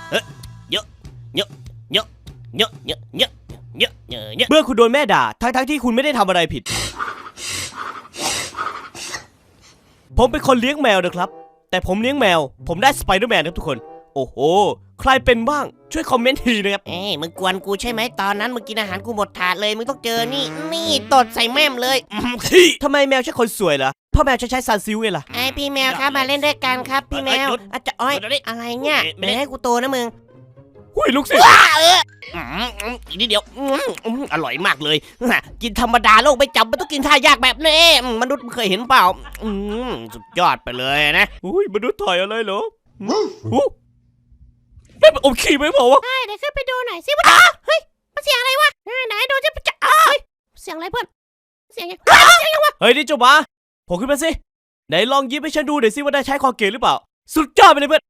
เยอะเยอะเยอะเยอะเยอะเยอะเยอะเยอะเยอะเมื่อคุณโดนแม่ด่าทั้งที่คุณไม่ได้ทำอะไรผิดผมเป็นคนเลี้ยงแมวนะครับแต่ผมเลี้ยงแมวผมได้สไปเดอร์แมนครับทุกคนโอ้โหใครเป็นบ้างช่วยคอมเมนต์ทีนะครับมึงกวนกูใช่ไหมตอนนั้นมึงกินอาหารกูหมดถาดเลยมึงต้องเจอนี่ตดใส่แม่มเลยทำไมแมวใช่คนสวยเหรอพ่อแมวใช้ซันซิลไงล่ะไอพี่แมวครับมาเล่นด้วยกันครับพี่แมวอาจจะอ้อยอะไรเนี่ยเดี๋ยวให้กูโตนะมึงหุ้ยลูกศิษย์อีกนิดเดียวอร่อยมากเลยกินธรรมดาโลกไม่จำมันต้องกินท่ายากแบบนี้มนุษย์เคยเห็นเปล่าสุดยอดไปเลยนะอุ้ยมนุษย์ถ่ายอะไรเหรอแม่มันอมขี้ไหมเปล่าวะเดี๋ยวขึ้นไปดูหน่อยสิว่าเฮ้ยมันเสียงอะไรวะไหนดูจะเสียงอะไรเพื่อนเสียงยังวะเฮ้ยนี่เจ้าหมาผมขึ้นมาสิไหนลองยิ้มให้ฉันดูหน่อยสิว่าได้ใช้คอเกตหรือเปล่าสุดยอดไปเลยเพื่อน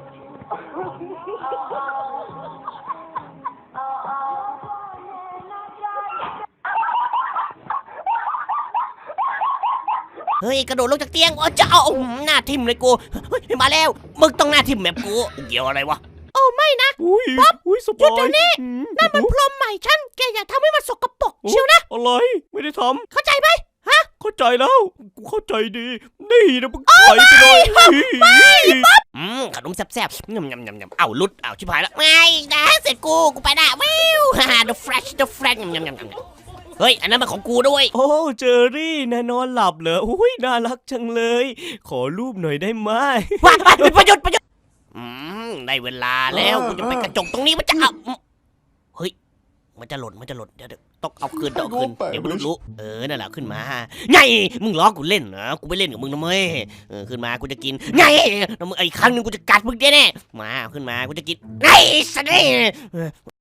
เฮ้ยกระโดดลงจากเตียงโอ้เจ้าหน้าทิ่มเลยกูเฮ้ยมาแล้วมึงต้องหน้าทิ่มแบบกูเกี่ยวอะไรวะโอ้ไม่นะอุ้ยสบายหยุดเดี๋ยวนี้ นั่นมันพรมใหม่ฉันแกอย่าทำให้มันสกปรกเชียวนะอะไรไม่ได้ทเข้าใจไหมำเข้าใจแล้วกูเข้าใจดีนี่นะมึงไถไปเลยขนมแซ่บๆยำเอาลุดเอาชิบหายแล้วไม่นะเสร็จกูไปได้วิวthe fresh ยำเฮ้ยอันนั้นมันของกูด้วยโอ้เจอรี่นายนอนหลับเหรออุ้ยน่ารักจังเลยขอรูปหน่อยได้ไหมว้ายประยุทธ์ได้เวลาแล้วกูจะไปกระจกตรงนี้มันจะเอาเฮ้ยมันจะหล่นเดี๋ยวต้องเอาคืนเดี๋ยวมึงรู้นั่นแหละขึ้นมาไงมึงล้อกูเล่นเหรอกูไม่เล่นกับมึงนะเว้ยขึ้นมากูจะกินไงแล้วมึงอีกครั้งนึงกูจะกัดมึงแน่มาขึ้นมากูจะกินไงสันนี่